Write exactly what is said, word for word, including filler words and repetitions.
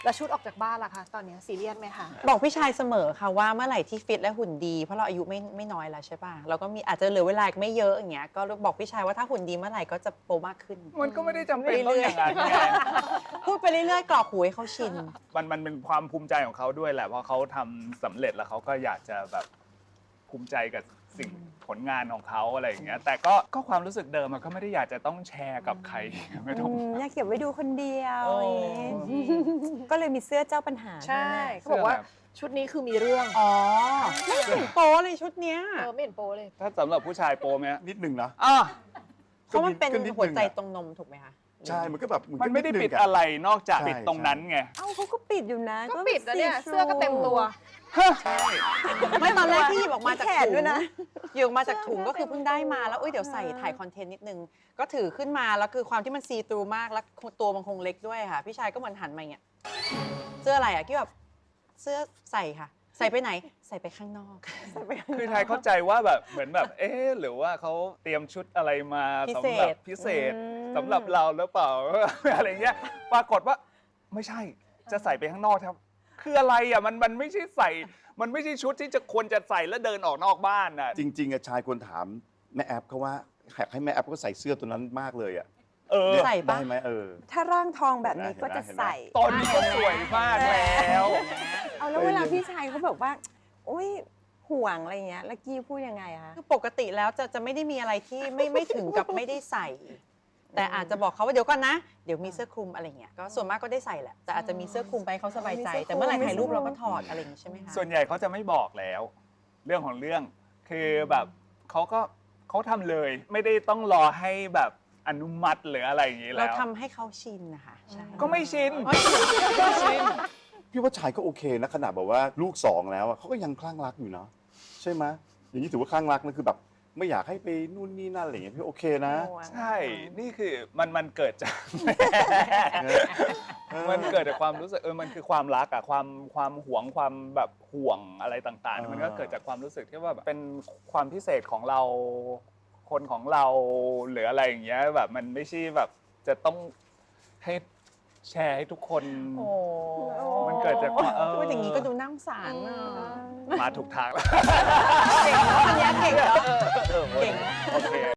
แล้วชุดออกจากบ้านล่ะคะตอนนี้ซีเรียสไหมคะบอกพี่ชายเสมอค่ะว่าเมื่อไหร่ที่ฟิตและหุ่นดีเพราะเราอายุไม่ไม่น้อยแล้วใช่ป่ะเราก็มีอาจจะเหลือเวลาอีกไม่เยอะอย่างเงี้ยก็บอกพี่ชายว่าถ้าหุ่นดีเมื่อไหร่ก็จะโปรมากขึ้นมันก็ไม่ได้จำเป็นต้องอย่างนั้นไงพูดไปเรื่อยๆกรอกหูให้เขาชินมันมันเป็นความภูมิใจของเขาด้วยแหละเพราะเขาทำสำเร็จแล้วเขาก็อยากจะแบบภูมิใจกับสิ่งผลงานของเขาอะไรอย่างเงี้ยแต่ก็ก็ความรู้สึกเดิมมันก็ไม่ได้อยากจะต้องแชร์กับใครไม่ต้องอยากเก็บไว้ดูคนเดียวโอ้ก็เลยมีเสื้อเจ้าปัญหาใช่ไหมเขาบอกว่าชุดนี้คือมีเรื่องอ๋อไม่เห็นโป๊เลยชุดเนี้ยเออไม่เห็นโปเลยถ้าสำหรับผู้ชายโปรไหมฮะนิดหนึ่งนะอ่ะเพราะมันเป็นก็นิดนึงอะหัวใจตรงนมถูกไหมคะใช่มันก็แบบมันไม่ได้ก็ปิดงอะไรนอกจากใช่ปิดตรงนั้นไงเอ้าเขาก็ปิดอยู่นะก็ปิดแล้วเนี่ย see through เสื้อก็เต็มตัวไม่ตอนแรกที่หยิบออกมาจากแขนถุงด้วยนะหยิบออกมาจากถุงก็คือเพิ่งได้มาแล้วเอ้ยเดี๋ยวใส่ถ่ายคอนเทนต์นิดนึงก็ถือขึ้นมาแล้วคือความที่มันซีตรูมากแล้วตัวมันคงเล็กด้วยค่ะพี่ชายก็เหมือนหันมาอย่างเงี้ยเสื้ออะไรอ่ะที่แบบเสื้อใส่ค่ะ ใส่ไปไหนใส่ไปข้างนอกคือไทยเข้าใจว่าแบบเหมือนแบบเอ๊ะหรือว่าเขาเตรียมชุดอะไรมาพิสำเศหรับษพิเศษอืมสำหรับเราหรือเปล่า อะไรเงี้ยปรากฏว่าไม่ใช่จะใส่ไปข้างนอกครับคืออะไรอ่ะมันมันไม่ใช่ใส่ มันไม่ใช่ชุดที่จะควรจะใส่แล้วเดินออกนอกบ้านน่ะจริงๆอะชายควรถามแม่แอปเขาว่าอยากให้แม่แอปก็ใส่เสื้อตัวนั้นมากเลยอ่ะเออใส่ปะได้ไหมเออถ้าร่างทองแบบนี้เห็นไหมก็จะเห็นไหมใส่ตอนนี้ก็สวยมากแล้วเอาแล้วเวลาพี่ชายเขาแบบว่าโอ๊ยห่วงอะไรเงี้ยแล้วกี้พูดยังไงอะคะคือปกติแล้วจะจะไม่ได้มีอะไรที่ไม่ไม่ถึงกับไม่ได้ใส่ แต่อาจจะบอกเขาว่าเดี๋ยวก่อนนะ เดี๋ยวมีเสื้อคลุมอะไรเงี้ยก็ส่วนมากก็ได้ใส่แหละแต่อาจจะมีเสื้อคลุมไปให้เขาสบายใจ แต่เมื่อไหร่ถ่ายรูปเราก็ถอดอะไรอย่างงี้ใช่ไหมคะส่วนใหญ่เขาจะไม่บอกแล้ว เรื่องของเรื่องคือแบบเขาก็เขาทำเลย ไม่ได้ต้องรอให้แบบอนุมัติหรืออะไรอย่างนี้เราแล้วทำให้เขาชินนะคะใช่ก็ไม่ชินอ๋อชินไม่ชินพี่ว่าชายก็โอเคนะขนาดแบบว่าลูกสองแล้วอะเขาก็ยังคลั่งรักอยู่เนาะใช่ไหมอย่างนี้ถือว่าคลั่งรักนะคือแบบไม่อยากให้ไปนู่นนี่นั่นอะไรอย่างเงี้ยพี่โอเคนะห่วงใช่ นี่คือมันมันเกิดจาก มันเกิดจากความรู้สึกเออมันคือความรักอะความความหวงความแบบห่วงอะไรต่างอ่าๆมัมันก็เกิดจากความรู้สึกที่ว่าแบบเป็นความพิเศษของเราคนของเราหรืออะไรอย่างเงี้ยแบบมันไม่ใช่แบบจะต้องให้แชร์ให้ทุกคนโอ้มันเกิดจากความเออพูดอย่างนี้ก็ดูน่าสงสารอ่ะมาถูกทางแล้วเก่งเนาะคนนี้เก่งเนาะเก่งโอเค